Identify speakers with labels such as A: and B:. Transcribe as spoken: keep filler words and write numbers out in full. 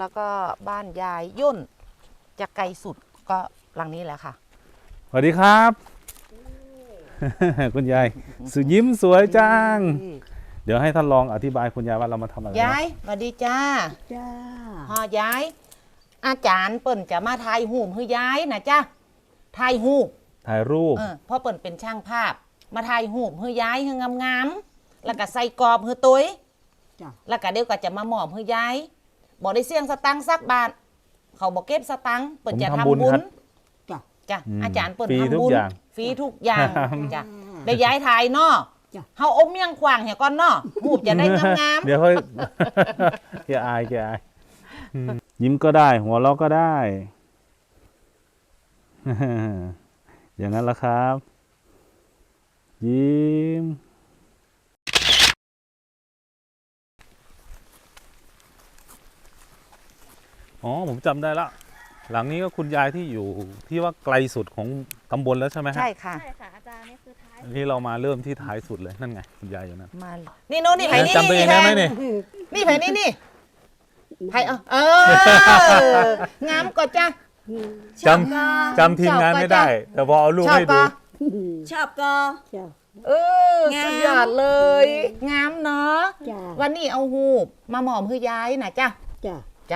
A: แล้วก็บ้านยายย่นจะไกลสุดก็หลังนี้แหละค่ะ
B: สวัสดีครับ คุณยายสุยิ้มสวยจัง เดี๋ยวให้ท่านลองอธิบายคุณยายว่าเรามาทำอะไร
A: ยายสวัสดีจ้า
C: จ้า
A: ฮอยาย อาจารย์เปิ่นจะมาถ่ายหูปให้ยายนะจ้าถ่ายหูป
B: ถ่ายรูป
A: เออเพราะเปิ่นเป็นช่างภาพ มาถ่ายหูปให้ยายให้งามๆแล้วก็ใส่กรอบให้ตุ้ย
C: จ้า
A: แล้วก็เดี๋ยวก็จะมาหมอบให้ยายบอกได้เสี่ยงสตังค์สักบาทเขาบอกเก็บสตังค์เปิ่นจะทำบุญ
C: จ้า
A: จ้ะ
B: อืม
A: อาจารย์เปิ่น
B: ฟรี
A: ทำ
B: ทุก
A: บุญ
B: อย่าง
A: ฟรีทุกอย่าง
B: ครับ
A: จ้ะได้ย้ายถ่ายเนาะ
C: จ้ะ
A: เฮาอมเมี่ยงขวางเหี่ยก่อนเนาะหูบจะได้งาม
B: เดี๋ยวค่อย แกอายแกอายอืมยิ้มก็ได้ หัวเราะก็ได้ อย่างนั้นละครับ ยิ้มอ๋อผมจำได้ละหลังนี้ก็คุณยายที่อยู่ที่ว่าไกลสุดของตำบลแล้วใช่ไหม
A: ๆ
B: ฮะ
A: ใช่ค่ะ
D: ใช่ค่ะ อาจารย์นี่คือท้าย
B: อันนี้เรามาเริ่มที่ท้ายสุดเลยนั่นไงคุณยายอยู่นั่น
A: มานี่โน่นนี่ไผนี่
B: จำตัวเองได้ไหมนี่
A: นี่ไผนี่นี่ไผเออเอองามก็จ้ะ
B: จำจำทีมงานไม่ได้ แต่พอเอารูป
A: ชอบ
B: ให้ดู
A: ปะ
D: ชอบก็
C: จ้า
A: เออง
D: าม
A: สุดยอดเลย งามเนาะ
C: จ้า
A: วันนี้เอาหูบมาหมอมให้ยายนะจ้ะ
C: จ้า